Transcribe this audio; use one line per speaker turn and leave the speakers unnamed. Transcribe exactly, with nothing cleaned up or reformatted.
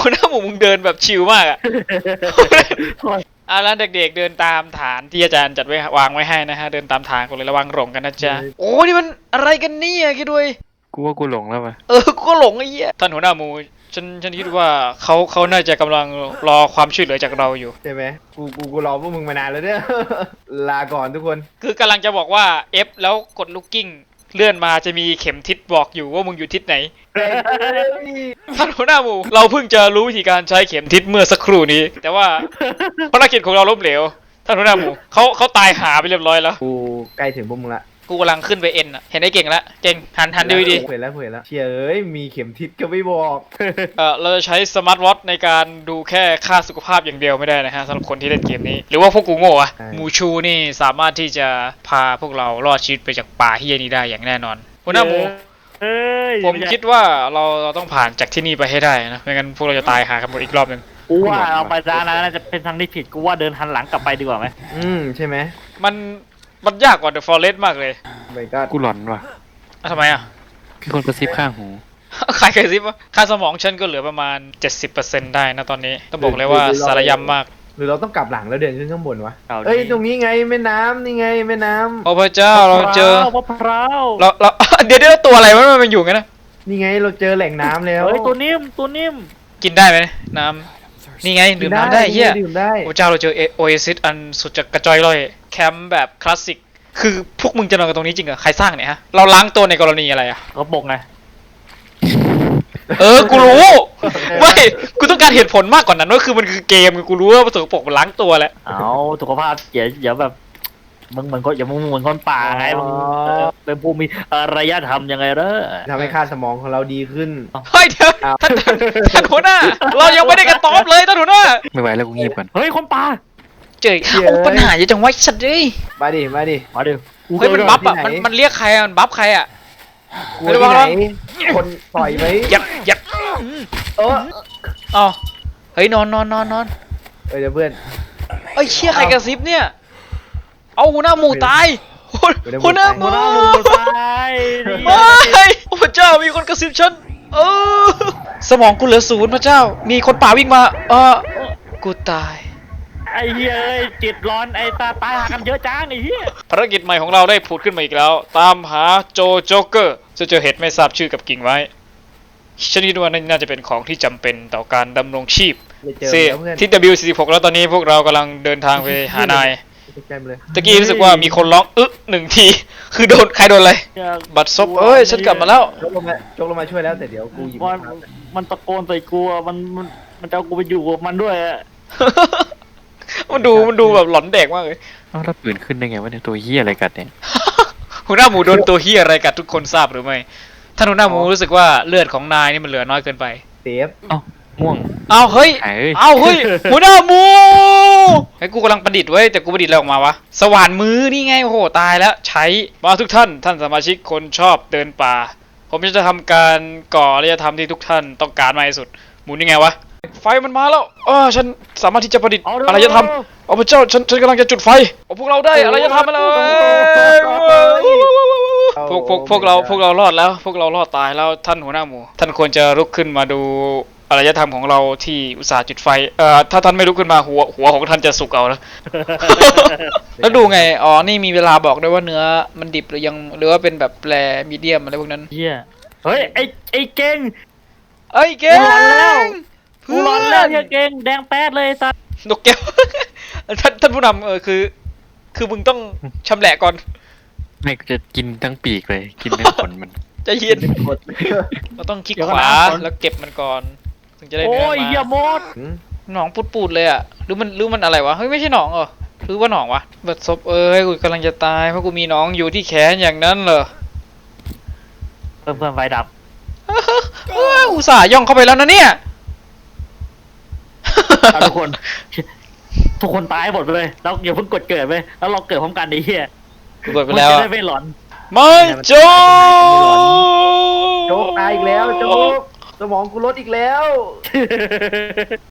หัวหน้าหมูมึงเดินแบบชิลมากอ่ะเอาละเด็กๆเดินตามฐานที่อาจารย์จัดไว้วางไว้ให้นะฮะเดินตามทางกันเลยระวังหลงกันนะจ๊ะโอ้นี่มันอะไรกันเนี่ยคิดด้วย
กูว่ากูหลงแล้วป่ะ
เออกูก็หลงไอ้เหี้ยท่านหัวหน้าหมูฉันฉันคิดว่าเขาเขาน่าจะกำลังรอความช่วยเหลือจากเราอยู่
ใช่ไหมกูกูกูรอพวกมึงมานานแล้วเนี่ย ลาก่อนทุกคน
คือกำลังจะบอกว่า F แล้วกดลูกกิ้งเลื่อนมาจะมีเข็มทิศบอกอยู่ว่ามึงอยู่ทิศไหนท่านหัวหน้าหมูเราเพิ่งจะรู้วิธีการใช้เข็มทิศเมื่อสักครู่นี้ แต่ว่าภารกิจของเราล้มเหลวท่านหัวหน้าหมูเขาเขาตายหาไปเรียบร้อยแล้ว
กูใกล้ถึงพวกมึงละ
กูกำลังขึ้นไปเอ็นอ่ะเห็นไอ้เก่งละเก่งหันหันดูดี
เผยแล้วเผยแล้วเชียเอ้ยมีเข็มทิศก็ไม่บอก
เออเราจะใช้สมาร์ทวอทในการดูแค่ค่าสุขภาพอย่างเดียวไม่ได้นะฮะสำหรับคนที่เล่นเกมนี้หรือว่าพวกกูโง่อะมูชูนี่สามารถที่จะพาพวกเรารอดชีวิตไปจากป่าเฮียนี้ได้อย่างแน่นอนหัวหน้าหมูผมคิดว่าเราเราต้องผ่านจากที่นี่ไปให้ได้นะไม่งั้นพวกเราจะตายหากันหมดอีกรอบหนึ่ง
กูว่าเอาไปร้านนั้นน่าจะเป็นทางที่ผิดกูว่าเดินหันหลังกลับไปดีกว่าไหม
อืมใช่ไหม
มันมันยากกว่า The Forest มากเลย
ไม่ก็
กูหลอนว่ะ
ทำไมอ่ะ
คือคนกระซิบข้างหู
ใครกระซิบวะค่าสมองฉันก็เหลือประมาณ เจ็ดสิบเปอร์เซ็นต์ ได้นะตอนนี้ต้องบอกเลยว่าสารยำมาก
หรือเราต้องกลับหลังแล้วเดินขึ้นข้างบนวะเอ้ยตรงนี้ไงแม่น้ำนี่ไงแม่น้ำ
โอ้พระเจ้าเราเจอ
มะพร้าว
เราเราเดี๋ยวเดี๋ยวตัวอะไรมันมันอยู่กันนะ
นี่ไงเราเจอแหล่งน้ำแล้ว
เฮ้ยตัวนิ่มตัวนิ่ม
กินได้ไหมน้ำนี่ไงดื่มน้ำได้เฮียโอ้เจ้าเราเจอโอเอซิสอันสุดจะกระจอยลอยแคมป์แบบคลาสสิกคือพวกมึงจะนอนกันตรงนี้จริงเหรอใครสร้างเนี่ยฮะเราล้างตัวในกรณีอะไรอ่ะ
เขาบอกไง
เออกูรู้ไม่กูต้องการเหตุผลมากกว่านั้นว่าคือมันคือเกมกูรู้ว่าประสบปกมันล้างตัวแหละ
เอาสุขภาพอย่าอย่าแบบมึงเหมือนคนอย่ามึงเหมือนคนป่าไงมึงเป็นผู้มีอารยธรรมยังไงเด้อ
ทำให้ค่าสมองของเราดีขึ้น
เฮ้ยเดี๋ยวท่านท่านหัวหน้าเรายังไม่ได้กระต๊อบเลยท่านหัวหน้า
ไม่ไหวแล้วกูงีบก่อน
เฮ้ยคนป่า
เจอโอ้ปัญหาเยอะจังวะสัตว์เลย
มาดิมาดิ
มาดิ
เฮ้ยมันบัฟอ่ะมันมันเรียกใครอ่ะมันบัฟใครอ่ะ
ไม่รู้ว่าคนปล่อยไหม
ยับยับ
เออ
อ๋อเฮ้ยนอนนอนนอนนอน
เอ้ยเพื่อน
เอ้ยเชี่ยใครกระซิบเนี่ยเอาหัวหน้าหมูตายหัวหน้าหมู
ตาย
ไม่พระเจ้ามีคนกระซิบฉันเออสมองกูเหลือศูนย์พระเจ้ามีคนป่าวิ่งมาเออกูตาย
ไอ้เหี้ยจิตร้อนไอ้ตาตายหากันเยอะจังไอ้เหี้ย
ภารกิจใหม่ของเราได้ผุดขึ้นมาอีกแล้วตามหาโจโจ๊กเกอร์จะเจอเห็ดไม่ทราบชื่อกับกิ่งไว้ชนิดว่าน่าจะเป็นของที่จำเป็นต่อการดำรงชีพเซที่ ดับเบิลยู สี่สิบหก แล้วตอนนี้พวกเรากำลังเดินทางไปหานายตะกี้รู้สึกว่ามีคนร้องอึ๊หนึ่งทีคือโดนใครโดนอะไรบัตรซบเอ้ยฉันกลับมาแล้ว
จกลงมาจกลงมาช่วยแล้วแต่เดี๋ยวกูหยิบ
มันมันตะโกนใส่กูมันมันมันจะเอากูไปอยู่กับมันด้วย
มันดูมันดูแบบหลอนเด็กมากเลย
อ้าวแล้วปืนขึ้นได้ไงวะเนี่ยตัวเหี้ยอะไรกัดเนี่ย
หัวหน้าหมูโดนตัวเหี้ยอะไรกัดทุกคนทราบหรือไม่ท่านหัวหน้าหมูรู้สึกว่าเลือดของนายนี่มันเหลือน้อยเกินไป
เซฟ
เอ้าม่วง
เอาเฮ้ยเอาเฮ้ยหัวหน้าหมูไอ้กูกำลังประดิษฐ์ไว้แต่กูประดิษฐ์อะไรออกมาวะสว่านมือนี่ไงโอ้โหตายแล้วใช้มาทุกท่านท่านสมาชิกคนชอบเดินป่าผมจะทำการก่ออารยธรรมที่ทุกท่านต้องการมากที่สุดหมุนยังไงวะไฟมันมาแล้วเออฉันสามารถที่จะประดิษฐ์อารยธรรมโอ้พระเจ้าฉันฉันกำลังจะจุดไฟโอ้พวกเราได้อารยธรรมมาเลยพวกพวกพวกเราพวกเรารอดแล้วพวกเรารอดตายแล้วท่านหัวหน้าหมูท่านควรจะลุกขึ้นมาดูอารยธรรมของเราที่อุตส่าห์จุดไฟเอ่อถ้าท่านไม่ลุกขึ้นมาหัวหัวของท่านจะสุกเอานะแล้วดูไงอ๋อนี่มีเวลาบอกด้วยว่าเนื้อมันดิบหรือยังหรือว่าเป็นแบบแปรมีเดียมอะไรพวกนั้น
เฮียเฮ้ยไอไอเก่ง
ไอ้เก่ง
กูร้อนแล้วเฮียเก่งแดงแป๊ดเลยสัตว์
นกแก้วท่านท่านผู้นำเออคือคือมึงต้องชำแหละก่อน
ไม่จะกินทั้งปีกเลยกินทั้งขนมัน
จะเย็นเราต้องคลิกขวาแล้วเก็บมันก่อนถึงจะได้เนื้อมา
โอ้ยเหี้ยมด
หนองปูดๆเลยอ่ะหรือมันหรือมันอะไรวะเฮ้ยไม่ใช่หนองเหรอหรือว่าหนองวะบัดซบเอ้ยกูกำลังจะตายเพราะกูมีหนองอยู่ที่แขนอย่างนั้นเหรอ
เพิ่มเพิ่มไฟดับ
อุตส่าห์ย่องเข้าไปแล้วนะเนี่ย
ทุกคนทุกคนตายหมดเลยเราอย่าเพิ่งกดเกิดไปแล้วเราเกิดพร้อมกันดิเฮีย
กดไปแล้ว
จะได้ไม่หลอน
ไม่โจ๊
กโจ๊กตายอีกแล้วโจ๊กสมองกูลดอีกแล้ว